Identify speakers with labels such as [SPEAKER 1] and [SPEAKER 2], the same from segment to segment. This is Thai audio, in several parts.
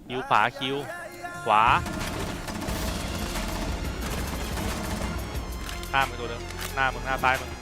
[SPEAKER 1] คิวขวาคิวขวาหน้ามึงตัวเดิมหน้ามึงหน้าซ้ายมึง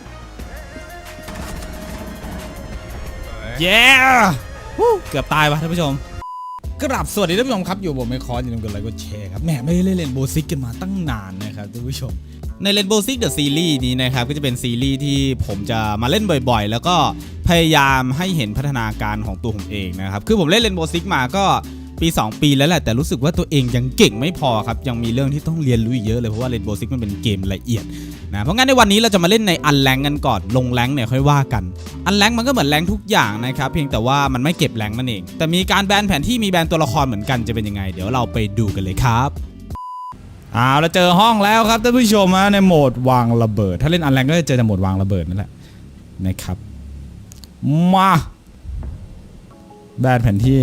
[SPEAKER 2] เย้เกือบตายวะท่านผู้ชมกราบสวัสดีท่านผู้ชมครับอยู่ผมไม่คอร์อย่าลืมกดไลค์กดแชร์ครับแหมไม่ได้เล่นเรนโบว์ซิกกันมาตั้งนานนะครับท่านผู้ชมในเรนโบว์ซิกเดอะซีรีส์นี้นะครับก็จะเป็นซีรีส์ที่ผมจะมาเล่นบ่อยๆแล้วก็พยายามให้เห็นพัฒนาการของตัวผมเองนะครับคือผมเล่นเรนโบว์ซิกมาก็ปี2ปีแล้วแหละแต่รู้สึกว่าตัวเองยังเก่งไม่พอครับยังมีเรื่องที่ต้องเรียนรู้เยอะเลยเพราะว่าเรนโบว์ซิกมันเป็นเกมละเอียดนะเพราะงั้นในวันนี้เราจะมาเล่นในอันแรงกันก่อนลงแรงเนี่ยค่อยว่ากันอันแรงมันก็เหมือนแรงทุกอย่างนะครับเพียงแต่ว่ามันไม่เก็บแรงนั่นเองแต่มีการแบนแผนที่มีแบนตัวละครเหมือนกันจะเป็นยังไงเดี๋ยวเราไปดูกันเลยครับเราเจอห้องแล้วครับท่านผู้ชมในโหมดวางระเบิดถ้าเล่นอันแรงก็จะเจอในโหมดวางระเบิดนั่นแหละนะครับมาแบนแผนที่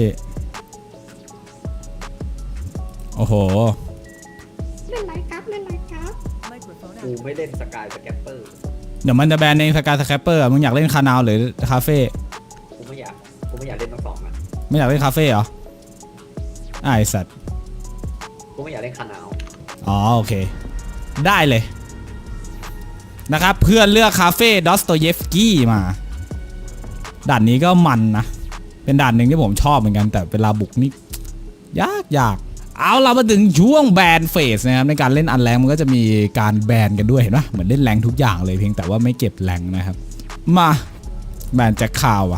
[SPEAKER 2] โอ้โห
[SPEAKER 3] เล่นไรครับเล่นไรครับ
[SPEAKER 4] กูไม่เล่นสกายสแกปเปอร์
[SPEAKER 2] เดี๋ยวมันจะแบนเองสกายสแคปเปอร์มึงอยากเล่นคานาวหรือคาเฟ่
[SPEAKER 4] กูไม่อยากเล่นทั้งสองอ่ะ
[SPEAKER 2] ไม่อยากเล่นคาเฟ่เหรอไอสัตว์
[SPEAKER 4] กูไม่อยากเล่นคานาว
[SPEAKER 2] อ๋อโอเคได้เลยนะครับเพื่อนเลือกคาเฟ่ดอสโตเยฟสกี้มาด่านนี้ก็มันนะเป็นด่านหนึ่งที่ผมชอบเหมือนกันแต่เวลาบุกนี่ยากเอาเรามาถึงช่วงแบนเฟสนะครับในการเล่นอันแรงมันก็จะมีการแบนกันด้วยเห็นปะเหมือนเล่นแรงทุกอย่างเลยเพียงแต่ว่าไม่เก็บแรงนะครับมาแบนแจ็คข่าวอะ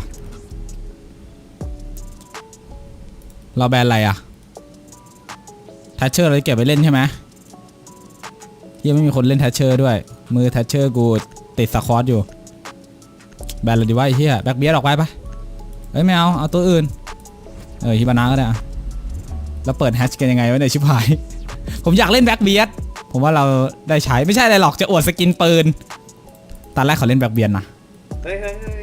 [SPEAKER 2] เราแบนอะไรอะแทชเชอร์เราเก็บไปเล่นใช่ไหมยังไม่มีคนเล่นแทชเชอร์ด้วยมือแทชเชอร์กูติดสควอตอยู่แบนเลยดีว่าไอ้เหี้ยแบ็คเบียร์ออกไปปะเอ้ยไม่เอาตัวอื่นฮิบานะก็ได้อะแล้วเปิดแฮชกันยังไงวะเนี่ยชิบหายผมอยากเล่นแบ็คเบียร์ผมว่าเราได้ใช้ไม่ใช่อะไรหรอกจะอวดสกินปืนตอนแรกขอเล่นแบ็คเบียร์นะ
[SPEAKER 4] เฮ้ย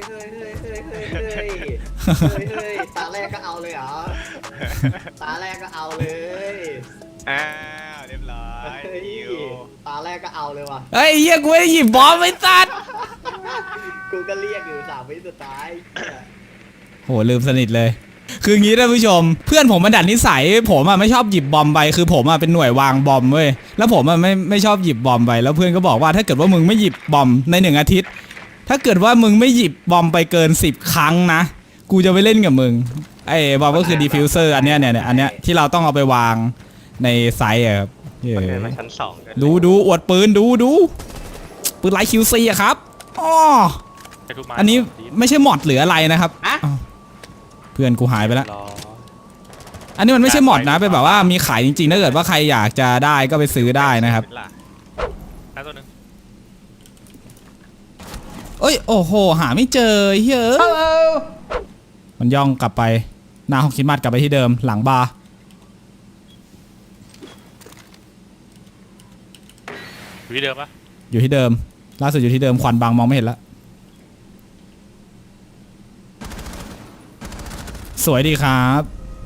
[SPEAKER 4] ตาแรกก็เอาเลยเหรอตาแรกก็เอาเลย
[SPEAKER 1] เรียบร้อย
[SPEAKER 4] ตาแรกก็เอาเลยว่ะ
[SPEAKER 2] เฮ้ยเฮียกูไม่ได้หยิบบอมไอ้สัตว์
[SPEAKER 4] กูก็เรียกอยู่3 วิสุดท้าย
[SPEAKER 2] โหลืมสนิทเลยคืองี้ท่านผู้ชมเพื่อนผมมันดัดนิสัยผมไม่ชอบหยิบบอมไปคือผมเป็นหน่วยวางบอมเว้ยแล้วผมไม่ชอบหยิบบอมไปแล้วเพื่อนก็บอกว่าถ้าเกิดว่ามึงไม่หยิบบอมใน1 อาทิตย์ถ้าเกิดว่ามึงไม่หยิบบอมไปเกิน10 ครั้งนะกูจะไปเล่นกับมึงไอ้บอมก็คือดีฟิวเซอร์อันเนี้ยที่เราต้องเอาไปวางในไซส์ครับ
[SPEAKER 1] ชั้น2
[SPEAKER 2] ดูอวดปืนดูปืนไลท์คิวซีอะครับอ๋ออันนี้ไม่ใช่มอดหรืออะไรนะครับเพื่อนกูหายไปแล้วอันนี้มันไม่ใช่มอดนะเป็นแบบว่ามีขายจริงๆถ้าเกิดว่าใครอยากจะได้ก็ไปซื้อได้นะครับ
[SPEAKER 1] ตัวนึง
[SPEAKER 2] เอ้ยโอ้โหหาไม่เจอเฮ้ยมันย่องกลับไปหน้าห้องคิดมัดกลับไปที่เดิมหลังบาร์
[SPEAKER 1] อยู่ที่เดิมปะ
[SPEAKER 2] อยู่ที่เดิมล่าสุดอยู่ที่เดิมควันบังมองไม่เห็นแล้วสวยดีครับ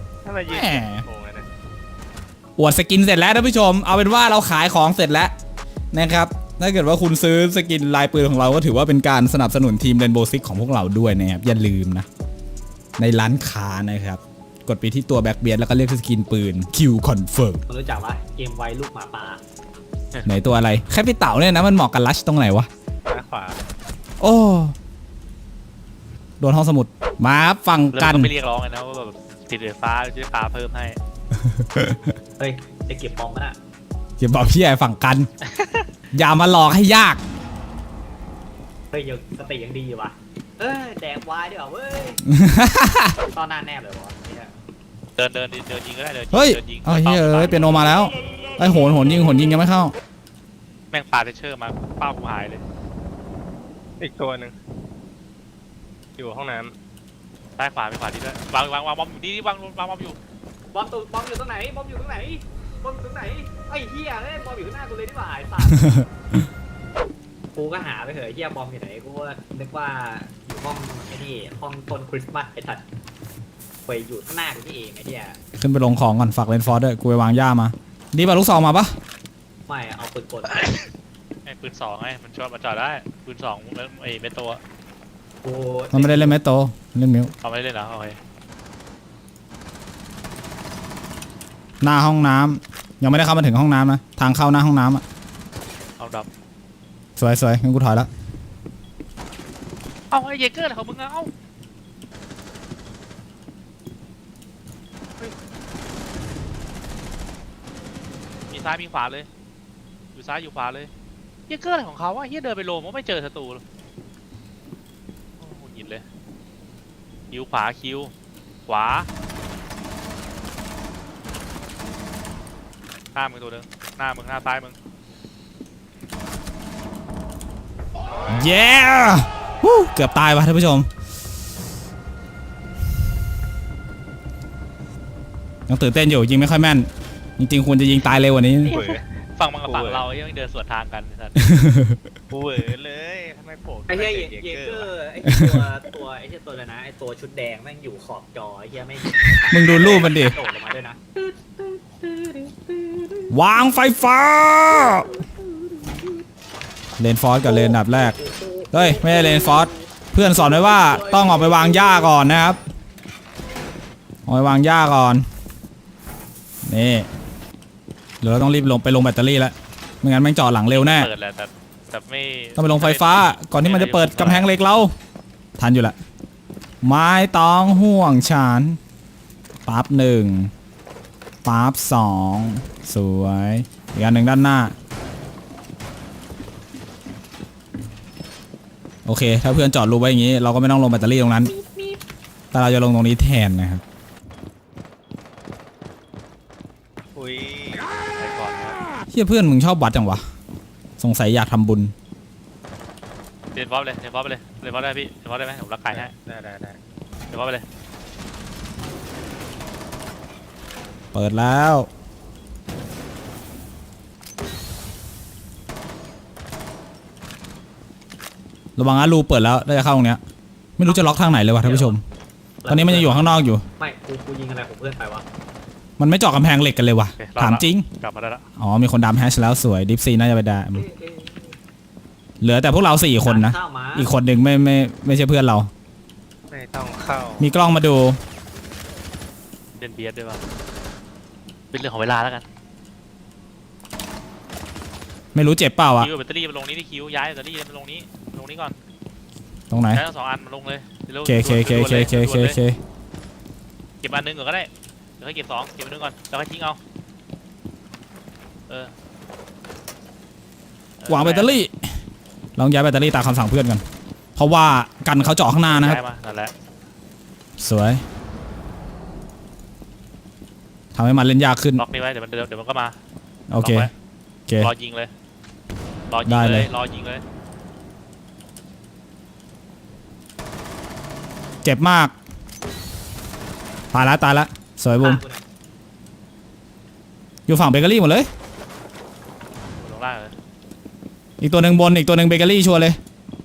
[SPEAKER 2] อวดสกินเสร็จแล้วท่านผู้ชมเอาเป็นว่าเราขายของเสร็จแล้วนะครับถ้าเกิดว่าคุณซื้อสกินลายปืนของเราก็ถือว่าเป็นการสนับสนุนทีมเรนโบว์ซิกของพวกเราด้วยนะครับอย่าลืมนะในร้านค้านะครับกดไปที่ตัวแบ็คเบียร์แล้วก็เลือกสกินปืนคิวคอนเฟิร์ม
[SPEAKER 4] รู้จักว่าเกมไวลูกหมาป่า
[SPEAKER 2] ไหนตัวอะไรแค่ไปเต่าเนี่ยนะมันเหมาะกับลัชตรงไหนวะ
[SPEAKER 1] ขวา
[SPEAKER 2] โอ้โดนห้องสมุดมาฟังกัน
[SPEAKER 1] ไม่เรียกร้องเลยนะว่าแบบติดไฟฟ้าจะฟ้าเพิ่มให้
[SPEAKER 4] เฮ้ยจะเก็บบอมนะ
[SPEAKER 2] เก็บบอมพี่ใหญ่ฝั่งกันอย่ามาหลอกให้ยาก
[SPEAKER 4] เฮ้ยยังสติยังดีอยู่วะแดกวายดีกว่าเว้ยตอนหน้าแนบเลยวะ
[SPEAKER 1] เดินยิงก็ได้
[SPEAKER 2] เฮ้ยเฮ้ยเปียโนมาแล้วไอ้โหนยิงยังไม่เข้า
[SPEAKER 1] แม่งปาเทเชอร์มาเป้ากูหายเลยอีกตัวหนึ่งอยู่ห้องน้ำใต้ขวาดีด้วยวางบอมอยู่ดีวางบอมอยู่
[SPEAKER 4] บอมอยู่ตรงไหนไอ้เหี้ยบอมอยู่ข้างหน้ากูเลยที่บ่ายสัตว์กูก็หาไปเถอะเหี้ยบอมอยู่ไหนกูนึกว่าอยู่ห้องไอ้นี่ห้องต้นคริสต์มาสไอ้ถัดไปอยู่ข้างหน้ากูนี่เองไอ้เหี้ย
[SPEAKER 2] ขึ้นไปลงของก่อนฝากเลนฟอร์ดด้วยกูไปวางย่ามาดีป่ะลูกซองมาปะ
[SPEAKER 4] ไม่เอาปืนกล
[SPEAKER 1] ไอ้ปืน2ไอ้มันชอบมาจอดได้ปืน2ไอ้เมโตะ
[SPEAKER 2] มันไม่ได้เล่นเมโตเล่นมิว
[SPEAKER 1] เอาไม่เล่นเหรอโอเค
[SPEAKER 2] หน้าห้องน้ำยังไม่ได้เข้ามาถึงห้องน้ำนะทางเข้าหน้าห้องน้ำอ่ะ
[SPEAKER 1] เอาดับ
[SPEAKER 2] สวยงั้นกูถอยแล้ว
[SPEAKER 1] เอาไอ้เยเกอร์ของมึงอะเอาเฮ้ยมีซ้ายมีขวาเลยอยู่ซ้ายอยู่ขวาเลยเยเกอร์อะไรของเขาวะเฮียเดินไปโลมก็ไม่เจอศัตรูเลยโอ้โหหยิบเลยคิวขวาคิวขวาหน้ามึงตัวหนึงหน้ามึงหน้าซ้ายมึง
[SPEAKER 2] เย้วู้เกือบตายว่ะท่านผู้ชมยังตื่นเต้นอยู่ยิงไม่ค่อยแม่นจริงๆควรจะยิงตายเร็วกว่านี้
[SPEAKER 1] เว้ยฝั่งมึงกับฝั่งเรายังเดินสวนทางกันสัตว์
[SPEAKER 5] กูเหวอเลยทำไมโผล่
[SPEAKER 4] ไอ้เหี้ย
[SPEAKER 5] ขึ้น
[SPEAKER 4] เย
[SPEAKER 5] มา
[SPEAKER 4] เก
[SPEAKER 5] จา
[SPEAKER 4] อ
[SPEAKER 5] วะ
[SPEAKER 4] ร์ไอ้ตัวไอ้เหี้ยตัวอะไรนะไอ้ตัวชุดแดงแม่งอยู่ขอบจอไอ้เหี้ยไม่
[SPEAKER 2] มึงดูรูปมันดิ
[SPEAKER 4] โดดลงมาด้วยนะ
[SPEAKER 2] วางไฟฟ้าเลนฟอสกับเลนอันดับแรกเฮ้ยไม่ใช่เลนฟอสเพื่อนสอนไว้ว่าต้องออกไปวางหญ้าก่อนนะครับออกไปวางหญ้าก่อนนี่เดี๋ยวเราต้องรีบลงแบตเตอรี่แล้วไม่งั้นแม่งจอดหลังเร็วแน่
[SPEAKER 1] เปิดแหละแต่ไม่
[SPEAKER 2] ต้องไปลงไฟฟ้าก่อนที่มันจะเปิดกำแพงเหล็กเราทันอยู่ละไม่ต้องห่วงฉันปั๊บหนึ่งปั๊บสองสวยอีกอันหนึ่งด้านหน้าโอเคถ้าเพื่อนจอดรูไว้อย่างนี้เราก็ไม่ต้องลงแบตเตอรี่ตรงนั้นแต่เราจะลงตรงนี้แทนนะครับ
[SPEAKER 5] อุ้ย
[SPEAKER 1] ไปก่อนนะ
[SPEAKER 2] เฮียเพื่อนมึงชอบวัดจังวะสงสัยอยากทำบุญ
[SPEAKER 1] เรียนฟอสไปเลยเรียนฟอสไปเลยเรียนฟอสได้พี่เรียนฟอสได้ไหมผมรักไก่ให้
[SPEAKER 5] ได้
[SPEAKER 1] เรียนฟอสไปเลย
[SPEAKER 2] เปิดแล้วระวังนะรูเปิดแล้วน่าจะเข้าตรงเนี้ยไม่รู้จะล็อกทางไหนเลยวะท่านผู้ชมตอนนี้มันยังอยู่ข้างนอกอยู่
[SPEAKER 4] ไม่กูยิงอะไรของเพื่อนไปวะ
[SPEAKER 2] มันไม่เจาะกำแพงเหล็กกันเลยวะ
[SPEAKER 1] โอเค
[SPEAKER 2] ถามจริง
[SPEAKER 1] กลับมาได้ละ
[SPEAKER 2] อ๋อมีคนดำแฮชแล้วสวยดิฟซีน่าจะไปได้เหลือแต่พวกเรา4 คนนะ
[SPEAKER 4] เข้ามา
[SPEAKER 2] อีกคนหนึ่งไม่ใช่เพื่อนเรา
[SPEAKER 5] ไม่ต้องเข้า
[SPEAKER 2] มีกล้องมาดู
[SPEAKER 1] เล่นเบียดด้วยป่ะเป็นเรื่องของเวลาแล้วกัน
[SPEAKER 2] ไม่รู้เจ็บเปล่าอะ
[SPEAKER 1] คิวแบตเตอรี่มาลงนี้ที่คิวย้ายแบตเตอรี่มาลงนี้ก่อน
[SPEAKER 2] ตรงไหน
[SPEAKER 1] ย้ายทั้ง2 อันมาลงเลยเร็ว
[SPEAKER 2] เค
[SPEAKER 1] ด่วนๆเลย
[SPEAKER 2] เ
[SPEAKER 1] เก็บอันหนึงก่อนก็ได้เดี๋ยวให้เก็บ2เก็บอันหนึงก่อนแล้วค่อยทิ้งเอาเออ
[SPEAKER 2] วางแบตเตอรี่ลองย้ายแบตเตอรี่ตามคำสั่งเพื่อนกันเพราะว่ากันเขาเจาะข้างหน้านะครับ
[SPEAKER 1] ย้ายมานั่นแหละ
[SPEAKER 2] สวยทำให้มันเล่นยากขึ้น
[SPEAKER 1] ล็อกนี่ไว้เดี๋ยวมันก็มา
[SPEAKER 2] โอเค
[SPEAKER 1] ล็กไว้
[SPEAKER 2] โอเค
[SPEAKER 1] รอยิงเลยรอยิ
[SPEAKER 2] ได้
[SPEAKER 1] ง
[SPEAKER 2] เล
[SPEAKER 1] เลย ยรอยิงเลย
[SPEAKER 2] เจ็บมากตายละสวยบุม
[SPEAKER 4] ข้างกูเนี่ย
[SPEAKER 2] อยู่ฝั่งเบเกอรี่หมดเลย
[SPEAKER 1] ลงล่างเลย
[SPEAKER 2] อีกตัวหนึ่งบนอีกตัวหนึ่งเบเกอรี่ชัวร์เลย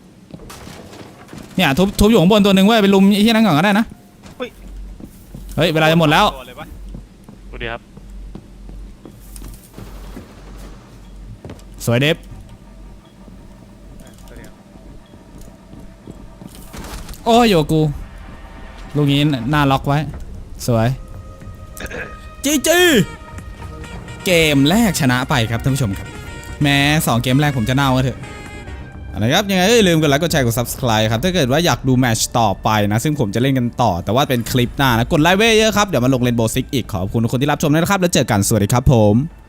[SPEAKER 2] เนี่ยทุบอยู่ข้างบนตัวหนึ่งเว้ยไปลุมไอ้ที่นั่นก่อนก็ได้นะเฮ้ยเวลาจะหมดแล้ว
[SPEAKER 5] ตัวเลยปะ
[SPEAKER 1] ดูดิครับ
[SPEAKER 2] สวยเดฟ
[SPEAKER 5] ตัวเดียว
[SPEAKER 2] โอ้ยโยกูลูกนี้หน้าล็อกไว้สวยจีเกมแรกชนะไปครับท่านผู้ชมครับแม้2 เกมแรกผมจะเน่าก็เถอะนะครับยังไงอย่าลืมกดไลค์กดแชร์กด subscribe ครับถ้าเกิดว่าอยากดูแมตช์ต่อไปนะซึ่งผมจะเล่นกันต่อแต่ว่าเป็นคลิปหน้านะกดไลค์ไว้เยอะครับเดี๋ยวมาลงเรนโบว์ซิกอีกขอบคุณทุกคนที่รับชมด้วยนะครับแล้วเจอกันสวัสดีครับผม